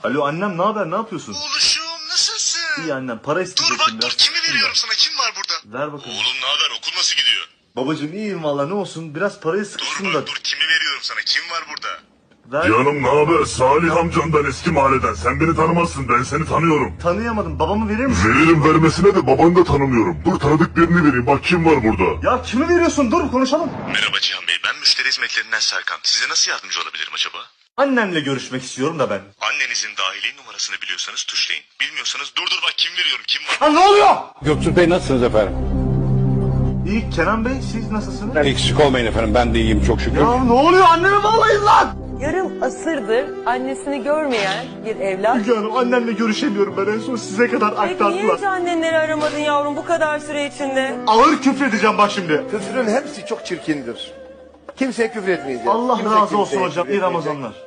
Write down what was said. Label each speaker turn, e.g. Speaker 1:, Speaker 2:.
Speaker 1: Alo annem, ne haber, ne yapıyorsun?
Speaker 2: Oğluşum nasılsın?
Speaker 1: İyi annem, para
Speaker 2: Dur
Speaker 1: isteyecektim
Speaker 2: bak
Speaker 1: biraz.
Speaker 2: dur, kimi veriyorum sana, kim var burada?
Speaker 1: Ver bakalım.
Speaker 2: Oğlum ne haber, okul nasıl gidiyor?
Speaker 1: Babacığım iyiyim valla, ne olsun, biraz parayı
Speaker 2: Dur
Speaker 1: sıkıştım
Speaker 2: bak
Speaker 1: da.
Speaker 2: dur, kimi veriyorum sana, kim var burada?
Speaker 1: Ver.
Speaker 3: Canım ne haber? Salih amcandan, eski mahalleden. Sen beni tanımazsın, ben seni tanıyorum.
Speaker 1: Tanıyamadım, babamı verir misin?
Speaker 3: Veririm vermesine de babanı da tanımıyorum. Dur tanıdık birini vereyim, bak kim var burada.
Speaker 1: Ya kimi veriyorsun, dur konuşalım.
Speaker 2: Merhaba Cihan Bey, ben müşteri hizmetlerinden Serkan. Size nasıl yardımcı olabilirim acaba?
Speaker 1: Annemle görüşmek istiyorum da ben.
Speaker 2: Annenizin dahili numarasını biliyorsanız tuşlayın. Bilmiyorsanız dur bak, kim veriyorum, kim var?
Speaker 1: Ha ne oluyor?
Speaker 4: Göktuğ Bey nasılsınız efendim?
Speaker 1: İyi Kenan Bey, siz nasılsınız?
Speaker 4: Eksik olmayın efendim, ben de iyiyim çok şükür.
Speaker 1: Ya ne oluyor, anneme bağlayın lan!
Speaker 5: Yarım asırdır annesini görmeyen bir evlat.
Speaker 1: Müge Hanım, annemle görüşemiyorum ben, en son size kadar
Speaker 5: Peki niye
Speaker 1: aktardılar.
Speaker 5: hiç annenleri aramadın yavrum bu kadar süre içinde?
Speaker 1: Ağır küfredeceğim bak şimdi.
Speaker 6: Küfrün hepsi çok çirkindir. Kimseye küfür etmeyeceğiz.
Speaker 1: Allah
Speaker 6: Kimse
Speaker 1: razı olsun
Speaker 6: kimseye
Speaker 1: hocam,
Speaker 6: küfür
Speaker 1: iyi
Speaker 6: etmeyecek.
Speaker 1: Ramazanlar.